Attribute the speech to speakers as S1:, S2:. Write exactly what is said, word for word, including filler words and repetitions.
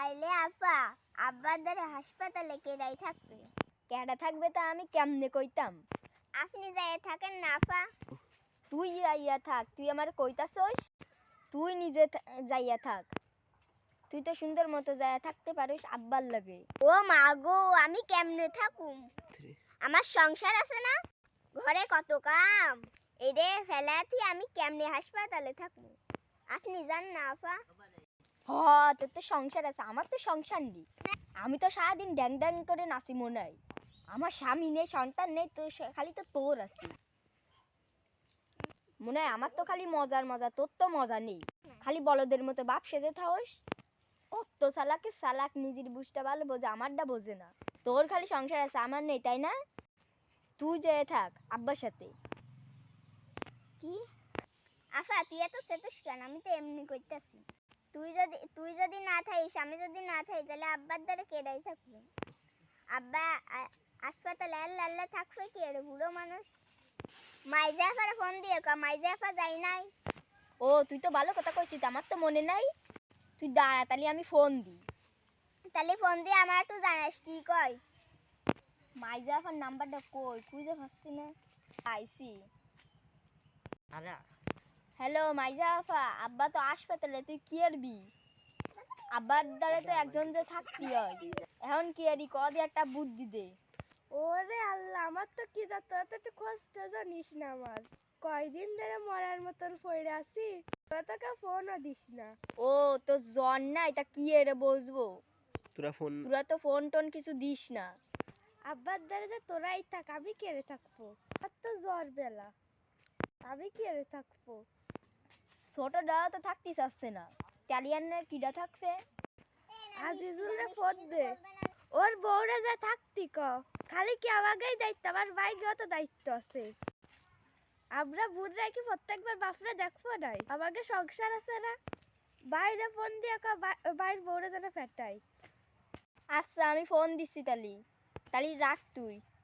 S1: তাইলে আপা আব্বার দ্বারা হাসপাতালে কেডাই থাকবে?
S2: কেডা থাকবে তা আমি কেমনে কইতাম?
S1: আপনি যাইয়া থাকেন না আপা।
S2: তুই যাইয়া থাক, তুই আমার কইতাছস? তুই নিজে যাইয়া থাক। তুই তো সুন্দর মতো যাইয়া থাকতে পারিস আব্বার লাগে।
S1: ও মা গো, আমি কেমনে থাকুম? আমার সংসার আছে না, ঘরে কত কাম, এরে ফেলাতি আমি কেমনে হাসপাতালে থাকবো? আপনি জান না আপা।
S2: হ, তোর তো সংসার আছে, আমার তো সংসার নেই। আমি তো সারাদিন ড্যাং ড্যাং করে নাচি মনে হয়। আমার স্বামী নেই, সন্তান নেই, তো খালি তো তোর আছে মনে হয়। আমার তো খালি মজার মজা, তোর তো মজা নেই। খালি বলদের মতো বাপ সেজে থাকস। কত চালাকে চালাক, নিজের বুঝটা ভালো বোঝে, আমারটা বোঝে না। তোর খালি সংসার আছে, আমার নেই, তাই না? তুই যেয়ে থাক আব্বার সাথে।
S1: কি আফা, তুই এত সেতুস কেন? আমি তো এমনি কইতাছি। তুই যদি তুই যদি না থাকিস, আমি যদি না থাকি, তাহলে আব্বার দ্বারা কেডাই থাকবে? আব্বা হাসপাতালে আল্লাহ আল্লাহ থাকবে কি এর বুড়ো মানুষ? মাইজাফারে ফোন দিয়ে কা মাইজাফা যাই নাই।
S2: ও, তুই তো ভালো কথা কইছিস, আমার তো মনে নাই। তুই দাঁড়া, তাহলে আমি ফোন দিই।
S1: তাহলে ফোন দিয়ে আমার একটু জানাস কি কয়।
S2: মাইজাফার নাম্বারটা কই, খুঁজে পাচ্ছি না। আইসি। হ্যালো মাইজাফা, আব্বা তো হাসপাতালে, তুই কি আরবি? আব্বার দ্বারা তো একজন যে থাকতি হয়, এখন কি আরবি? কদি একটা বুদ্ধি দে।
S3: ওরে আল্লাহ, আমার তো কি যাত, এত একটু কষ্ট জানিস না। আমার কয়দিন ধরে মরার মতন পড়ে আছি, তোকে ফোনও দিস না।
S2: ও, তো জ্বর নাই, তা কি এরে বসবো?
S4: তোরা ফোন
S2: তোরা তো ফোন টোন কিছু দিস না।
S3: আব্বার দ্বারা যে তোরাই থাক, আমি কেড়ে থাকবো? আর তো জ্বর বেলা, আমি কেড়ে থাকবো?
S2: ছোটটা তো থাকতে চাচ্ছে না, ক্যারিয়ানের কিডা থাকবে?
S3: আজিজুলরে ফোন দে, ওর বউরে যে থাকতি ক। খালি কি আমাকেই দায়িত্ব? আমার ভাইকেও তো দায়িত্ব আছে। আমরা বুড়রা কি প্রত্যেকবার বাপরে দেখবো নাই? আমাকে সংসার আছে না? বাইরে ফোন দিয়ে ক বাইর বউরে যেন ফেটাই।
S2: আচ্ছা, আমি ফোন দিচ্ছি, তালি তালি রাখ তুই।